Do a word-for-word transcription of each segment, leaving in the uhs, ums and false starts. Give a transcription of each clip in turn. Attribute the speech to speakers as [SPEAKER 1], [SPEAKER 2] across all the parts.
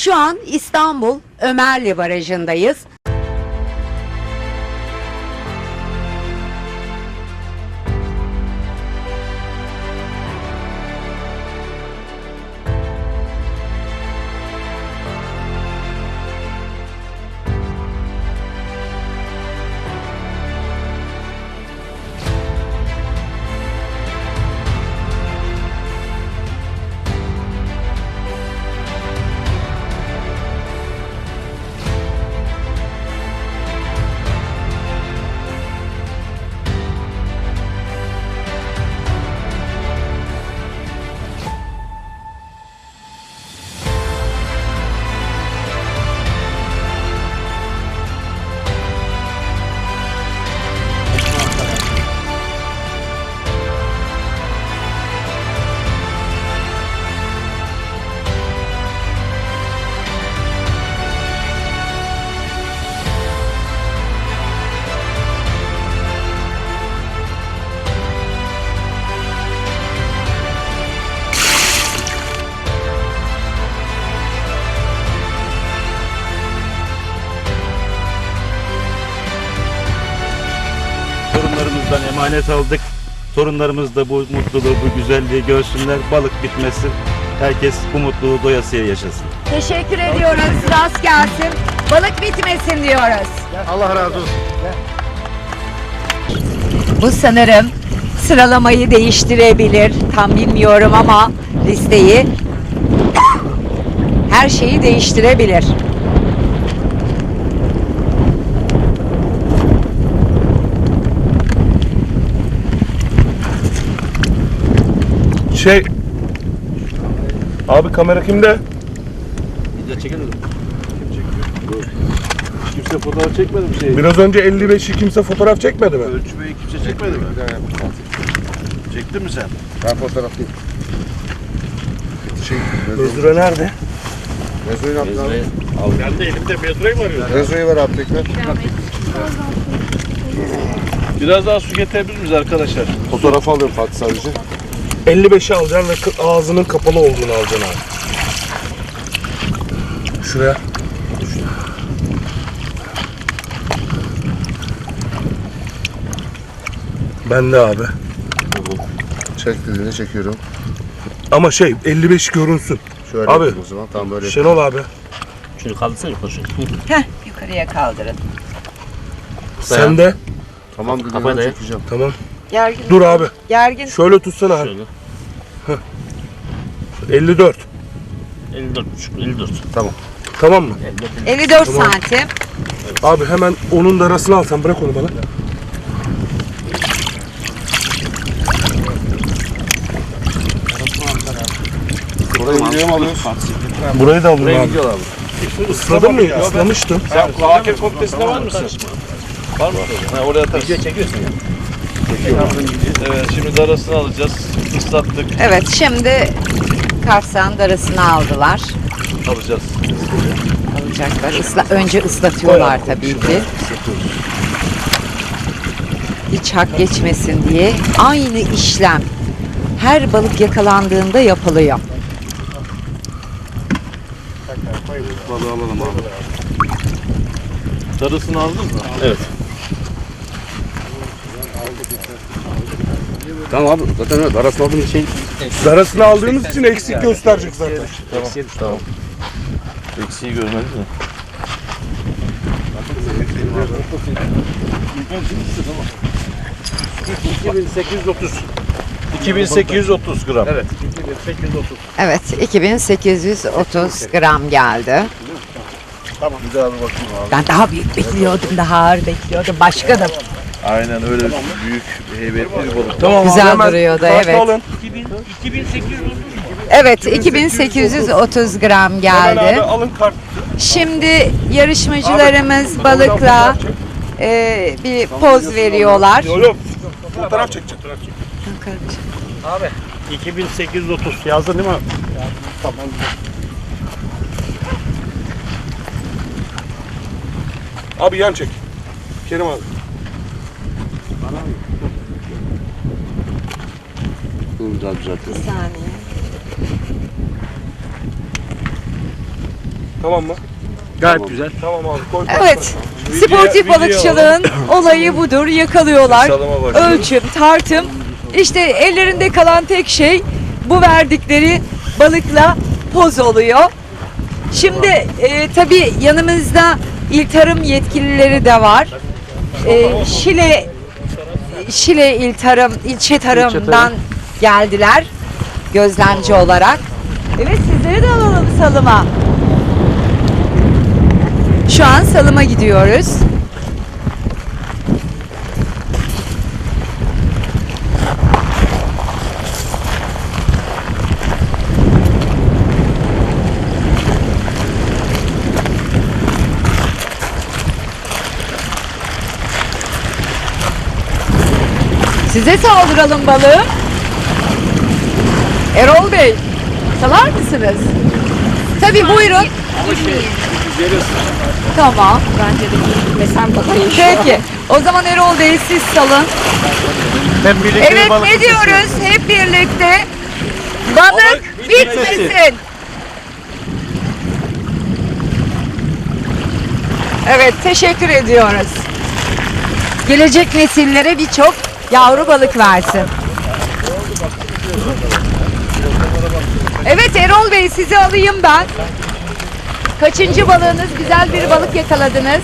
[SPEAKER 1] Şu an İstanbul Ömerli Barajı'ndayız.
[SPEAKER 2] Torunlarımızdan emanet aldık. Torunlarımız da bu mutluluğu, bu güzelliği görsünler. Balık bitmesin. Herkes bu mutluluğu doyasıya yaşasın.
[SPEAKER 1] Teşekkür ediyoruz. Rast gelsin. Balık bitmesin diyoruz.
[SPEAKER 3] Allah razı olsun.
[SPEAKER 1] Bu sanırım sıralamayı değiştirebilir. Tam bilmiyorum ama listeyi her şeyi değiştirebilir.
[SPEAKER 3] Şey, abi kamera kimde?
[SPEAKER 2] Bir de çekelim. Kim çekiyor? Kimse fotoğraf çekmedi mi şey?
[SPEAKER 3] Biraz önce elli beşi kimse fotoğraf çekmedi mi?
[SPEAKER 2] Ölçmeyi kimse çekmedi mi? Çektin mi sen?
[SPEAKER 4] Ben fotoğraflıyım. Şey,
[SPEAKER 3] Özgür'e nerede?
[SPEAKER 4] Mezo'yu ne yaptın abi?
[SPEAKER 2] Ben de elimde metroyu mu arıyorum?
[SPEAKER 4] Mezo'yu ver abi tekrar.
[SPEAKER 2] Biraz daha su getirebilir miyiz arkadaşlar?
[SPEAKER 4] Fotoğraf alıyorum Fatih sadece.
[SPEAKER 3] elli beşi alacaksın ve kı- ağzının kapalı olduğunu alacaksın abi. Şuraya. Ben de abi.
[SPEAKER 4] Çek dediğini çekiyorum.
[SPEAKER 3] Ama şey elli beş görünsün.
[SPEAKER 4] Şöyle
[SPEAKER 3] Abi,
[SPEAKER 4] yapayım o zaman. Tamam böyle
[SPEAKER 3] Şenol abi.
[SPEAKER 2] Şunu kaldırsana yukarı şunu.
[SPEAKER 1] Heh, yukarıya kaldırın.
[SPEAKER 3] Sen de.
[SPEAKER 4] Tamam dediğini
[SPEAKER 2] Kafayı
[SPEAKER 4] ben
[SPEAKER 2] da
[SPEAKER 4] çekeceğim.
[SPEAKER 3] Tamam.
[SPEAKER 1] Gergin.
[SPEAKER 3] Dur abi.
[SPEAKER 1] Gergin.
[SPEAKER 3] Şöyle tutsana abi.
[SPEAKER 2] Şöyle.
[SPEAKER 3] elli dört.
[SPEAKER 2] elli dört buçuk, elli dört.
[SPEAKER 3] Tamam mı?
[SPEAKER 1] elli dört
[SPEAKER 3] Tamam.
[SPEAKER 1] santim.
[SPEAKER 3] Abi hemen onun da arasını al sen. Bırak onu bana.
[SPEAKER 4] Burayı videoya mı alıyoruz?
[SPEAKER 3] Burayı da alın
[SPEAKER 2] Buraya
[SPEAKER 3] abi.
[SPEAKER 2] gidiyorlar bu.
[SPEAKER 3] Isladın mı? Islamıştım.
[SPEAKER 2] Sen Hakem komitesinde var mısın? Var mı? Ha, oraya atarsın. Video çekiyorsun ya. Evet, şimdi darasını alacağız. Islattık,
[SPEAKER 1] Evet, şimdi Karsan darasını aldılar.
[SPEAKER 2] alacağız.
[SPEAKER 1] Alacaklar. Isla, önce ıslatıyorlar tabii ki. Hiç hak geçmesin diye aynı işlem her balık yakalandığında yapılıyor.
[SPEAKER 2] Balığı alalım abi. Darısını aldın mı? Evet.
[SPEAKER 4] Tamam abi zaten evet arasını aldığım şey.
[SPEAKER 3] Darasını aldığımız için eksik gösterecek zaten.
[SPEAKER 2] Tamam. Tamam. Eksiği görmedin mi? iki bin sekiz yüz otuz. iki bin sekiz yüz otuz gram. Evet. iki bin sekiz yüz otuz.
[SPEAKER 1] Evet, iki bin sekiz yüz otuz gram geldi.
[SPEAKER 2] Tamam. Bir daha bir bakayım abi.
[SPEAKER 1] Ben daha büyük bekliyordum, daha ağır bekliyordum. Başkanım.
[SPEAKER 2] Aynen öyle büyük, heybetli bir balık.
[SPEAKER 3] Tamam
[SPEAKER 1] Güzel
[SPEAKER 3] abi, hemen
[SPEAKER 1] duruyordu,
[SPEAKER 3] kartı
[SPEAKER 1] evet.
[SPEAKER 3] alın.
[SPEAKER 1] Evet, iki bin sekiz yüz otuz gram
[SPEAKER 3] Hemen abi
[SPEAKER 1] geldi.
[SPEAKER 3] alın kart.
[SPEAKER 1] Şimdi yarışmacılarımız balıkla e, bir poz veriyorlar.
[SPEAKER 3] Yok yok. Fotoğraf çekeceğim.
[SPEAKER 2] Abi iki bin sekiz yüz otuz yazdın değil mi?
[SPEAKER 3] Tamam. Abi yan çek. Kerim abi.
[SPEAKER 2] Dur daha düzelt.
[SPEAKER 1] Bir saniye.
[SPEAKER 3] Tamam mı?
[SPEAKER 2] Gayet güzel.
[SPEAKER 3] Tamam abi koy.
[SPEAKER 1] Evet.
[SPEAKER 3] Video-
[SPEAKER 1] Sportif
[SPEAKER 3] video
[SPEAKER 1] balıkçılığın olayı budur. Yakalıyorlar.
[SPEAKER 3] Salıma başlıyoruz.
[SPEAKER 1] Ölçüm, tartım. İşte ellerinde kalan tek şey bu verdikleri balıkla poz oluyor. Şimdi e, tabii yanımızda İl Tarım yetkilileri de var. E, Şile Şile İl Tarım, ilçe tarımdan geldiler gözlemci olarak. Evet, sizleri de alalım salıma. Şu an salıma gidiyoruz. Size saldıralım balığım. Erol Bey, salar mısınız? Tabii buyurun. Tamam.
[SPEAKER 5] Bence de gitmesem daha iyi.
[SPEAKER 1] Peki. O zaman Erol Bey siz salın.
[SPEAKER 2] Ben birlikte
[SPEAKER 1] Evet,
[SPEAKER 2] balık
[SPEAKER 1] ne diyoruz hep birlikte? Balık bitmesin. Evet, teşekkür ediyoruz. Gelecek nesillere birçok yavru balık versin. Evet Erol Bey, sizi alayım ben. Kaçıncı balığınız? Güzel bir balık yakaladınız.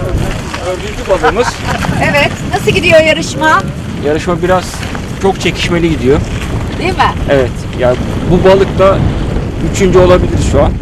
[SPEAKER 6] Dördüncü balığımız.
[SPEAKER 1] Evet, nasıl gidiyor yarışma?
[SPEAKER 6] Yarışma biraz çok çekişmeli gidiyor.
[SPEAKER 1] Değil mi?
[SPEAKER 6] Evet. Yani bu balık da üçüncü olabilir şu an.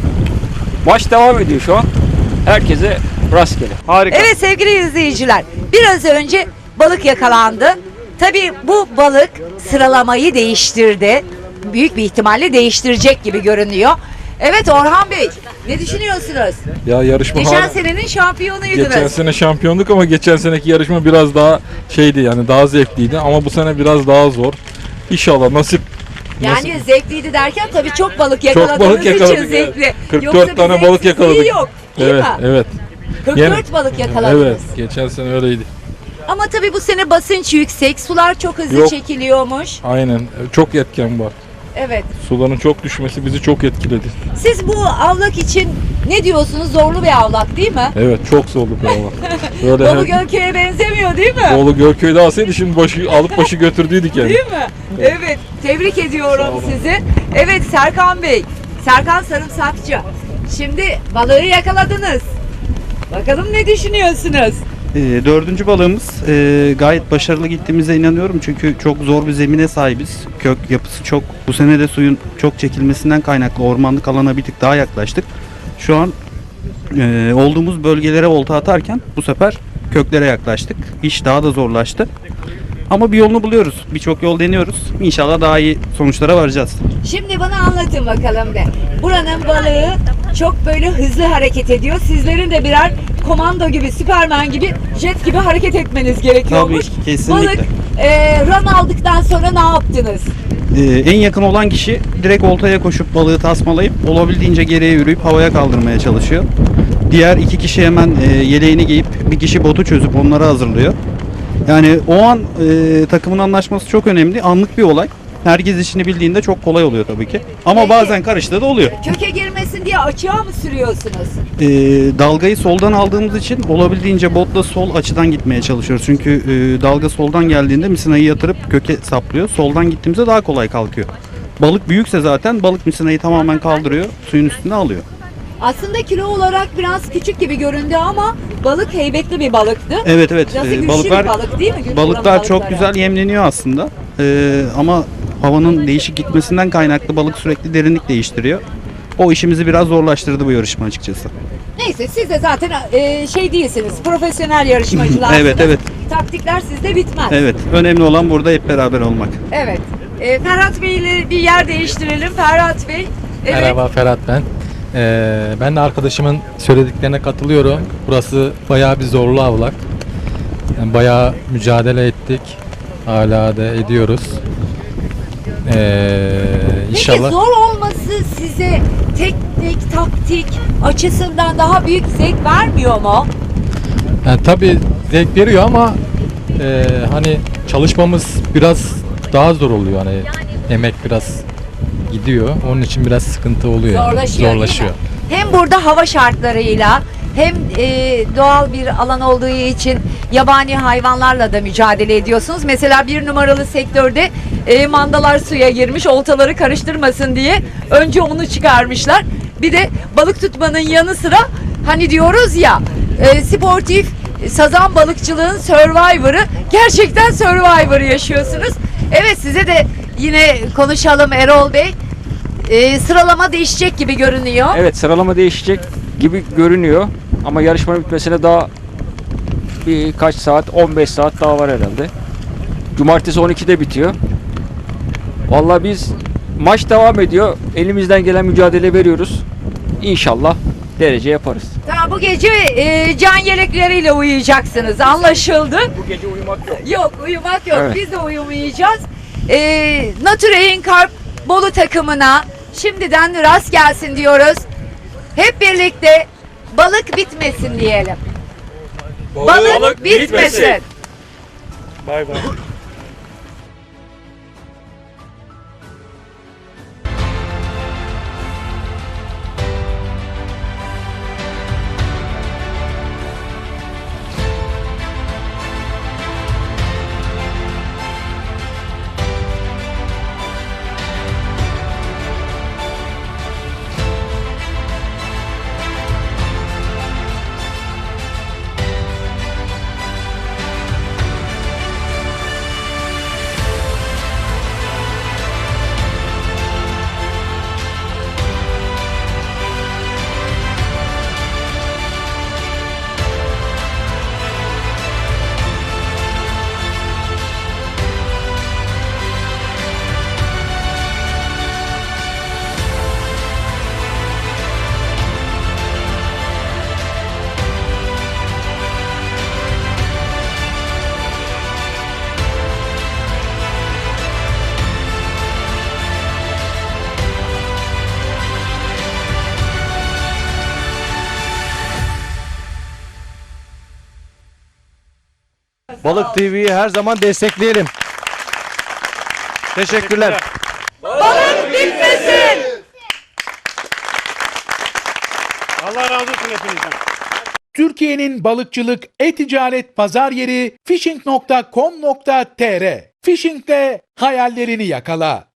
[SPEAKER 6] Maç devam ediyor şu an. Herkese rastgele.
[SPEAKER 2] Harika.
[SPEAKER 1] Evet sevgili izleyiciler, biraz önce balık yakalandı. Tabii bu balık sıralamayı değiştirdi. Büyük bir ihtimalle değiştirecek gibi görünüyor. Evet Orhan Bey, ne düşünüyorsunuz?
[SPEAKER 7] Ya yarışma
[SPEAKER 1] Geçen
[SPEAKER 7] hala-
[SPEAKER 1] senenin şampiyonuydunuz.
[SPEAKER 7] geçen sene şampiyonluk ama geçen seneki yarışma biraz daha şeydi yani daha zevkliydi ama bu sene biraz daha zor. İnşallah nasip.
[SPEAKER 1] Yani
[SPEAKER 7] nasip.
[SPEAKER 1] zevkliydi derken tabii çok balık
[SPEAKER 7] Çok
[SPEAKER 1] yakaladığınız
[SPEAKER 7] balık yakaladık.
[SPEAKER 1] için zevkli.
[SPEAKER 7] kırk
[SPEAKER 1] Yoksa
[SPEAKER 7] dört
[SPEAKER 1] bir
[SPEAKER 7] tane balık
[SPEAKER 1] zevksizliği
[SPEAKER 7] yakaladık.
[SPEAKER 1] Yok, değil
[SPEAKER 7] Evet,
[SPEAKER 1] mi?
[SPEAKER 7] evet.
[SPEAKER 1] kırk dört
[SPEAKER 7] Yine-
[SPEAKER 1] balık yakaladınız.
[SPEAKER 7] Evet, geçen sene öyleydi.
[SPEAKER 1] Ama tabii bu sene basınç yüksek, sular çok hızlı
[SPEAKER 7] Yok.
[SPEAKER 1] çekiliyormuş.
[SPEAKER 7] Aynen. Çok etken var.
[SPEAKER 1] Evet.
[SPEAKER 7] Suların çok düşmesi bizi çok etkiledi.
[SPEAKER 1] Siz bu avlak için ne diyorsunuz? Zorlu bir avlak değil mi?
[SPEAKER 7] Evet, çok zorlu bir hava. Böyle
[SPEAKER 1] Bolu
[SPEAKER 7] her-
[SPEAKER 1] Gölköy'e benzemiyor değil mi?
[SPEAKER 7] Bolu Gölköy'de alsaydı şimdi başı alıp başı götürdüydük yani.
[SPEAKER 1] Değil mi? Evet. Tebrik ediyorum sizi. Evet Serkan Bey. Serkan Sarımsakçı. Şimdi balığı yakaladınız. Bakalım ne düşünüyorsunuz?
[SPEAKER 8] E, dördüncü balığımız e, gayet başarılı gittiğimize inanıyorum çünkü çok zor bir zemine sahibiz. Kök yapısı çok. Bu sene de suyun çok çekilmesinden kaynaklı ormanlık alana bir tık daha yaklaştık. Şu an e, olduğumuz bölgelere olta atarken bu sefer köklere yaklaştık. İş daha da zorlaştı. Ama bir yolunu buluyoruz. Birçok yol deniyoruz. İnşallah daha iyi sonuçlara varacağız.
[SPEAKER 1] Şimdi bana anlatın bakalım be. Buranın balığı çok böyle hızlı hareket ediyor. Sizlerin de birer komando gibi, Süpermen gibi, jet gibi hareket etmeniz gerekiyormuş.
[SPEAKER 8] Tabii, kesinlikle.
[SPEAKER 1] Balık e, ram aldıktan sonra ne yaptınız?
[SPEAKER 8] Ee, en yakın olan kişi direkt oltaya koşup balığı tasmalayıp olabildiğince geriye yürüyüp havaya kaldırmaya çalışıyor. Diğer iki kişi hemen e, yeleğini giyip bir kişi botu çözüp onları hazırlıyor. Yani o an e, takımın anlaşması çok önemli. Anlık bir olay. Herkes işini bildiğinde çok kolay oluyor tabii ki. Ama
[SPEAKER 1] Peki.
[SPEAKER 8] bazen karıştığı da oluyor.
[SPEAKER 1] Köke girmesin diye açığa mı sürüyorsunuz?
[SPEAKER 8] E, dalgayı soldan aldığımız için olabildiğince botla sol açıdan gitmeye çalışıyoruz. Çünkü e, dalga soldan geldiğinde misinayı yatırıp köke saplıyor. Soldan gittiğimizde daha kolay kalkıyor. Balık büyükse zaten balık misinayı tamamen kaldırıyor. Suyun üstüne alıyor.
[SPEAKER 1] Aslında kilo olarak biraz küçük gibi göründü ama balık heybetli bir balıktı.
[SPEAKER 8] Evet evet.
[SPEAKER 1] Nasıl
[SPEAKER 8] E,
[SPEAKER 1] güçlü
[SPEAKER 8] balıklar
[SPEAKER 1] bir balık değil mi? Güçlü
[SPEAKER 8] balıklar
[SPEAKER 1] buranın
[SPEAKER 8] çok
[SPEAKER 1] balıkları.
[SPEAKER 8] güzel yemleniyor aslında. E, ama havanın değişik gitmesinden kaynaklı balık sürekli derinlik değiştiriyor. O işimizi biraz zorlaştırdı bu yarışma açıkçası.
[SPEAKER 1] Neyse siz de zaten e, şey değilsiniz, profesyonel yarışmacılarsınız.
[SPEAKER 8] Evet, evet.
[SPEAKER 1] Taktikler sizde bitmez.
[SPEAKER 8] Evet. Önemli olan burada hep beraber olmak.
[SPEAKER 1] Evet. E, Ferhat Bey ile bir yer değiştirelim. Ferhat Bey. Evet.
[SPEAKER 9] Merhaba Ferhat ben. Ee, ben de arkadaşımın söylediklerine katılıyorum. Burası bayağı bir zorlu avlak. Yani bayağı mücadele ettik. Hala da ediyoruz. Ee,
[SPEAKER 1] Peki
[SPEAKER 9] inşallah.
[SPEAKER 1] zor olması size teknik, taktik açısından daha büyük zevk vermiyor mu?
[SPEAKER 9] Yani tabii zevk veriyor ama e, hani çalışmamız biraz daha zor oluyor. Hani emek biraz gidiyor. Onun için biraz sıkıntı oluyor. yani.
[SPEAKER 1] Zorlaşıyor, değil mi?
[SPEAKER 9] Zorlaşıyor.
[SPEAKER 1] hem burada hava şartlarıyla hem e, doğal bir alan olduğu için yabani hayvanlarla da mücadele ediyorsunuz. Mesela bir numaralı sektörde e, mandalar suya girmiş, oltaları karıştırmasın diye önce onu çıkarmışlar. Bir de balık tutmanın yanı sıra hani diyoruz ya e, sportif sazan balıkçılığın Survivor'ı, gerçekten Survivor yaşıyorsunuz. Evet, size de yine konuşalım Erol Bey. E, sıralama değişecek gibi görünüyor.
[SPEAKER 6] Evet, sıralama değişecek gibi görünüyor. Ama yarışmanın bitmesine daha birkaç saat, on beş saat daha var herhalde. Cumartesi on ikide bitiyor. Vallahi biz, maç devam ediyor. Elimizden gelen mücadele veriyoruz. İnşallah derece yaparız.
[SPEAKER 1] Tamam, bu gece e, can yelekleriyle uyuyacaksınız. Anlaşıldı.
[SPEAKER 6] Bu gece uyumak yok.
[SPEAKER 1] Yok, uyumak yok.
[SPEAKER 6] Evet.
[SPEAKER 1] Biz de uyumayacağız. E, Nature Carp Bolu takımına şimdiden rast gelsin diyoruz. Hep birlikte balık bitmesin diyelim. Balık, bitmesin.
[SPEAKER 3] Bay bay.
[SPEAKER 10] Balık T V'yi her zaman destekleyelim. Teşekkürler.
[SPEAKER 1] Balık bitmesin.
[SPEAKER 3] Allah razı olsun hepinizden.
[SPEAKER 11] Türkiye'nin balıkçılık, e-ticaret pazar yeri fishing nokta com nokta tr. Fishing'de hayallerini yakala.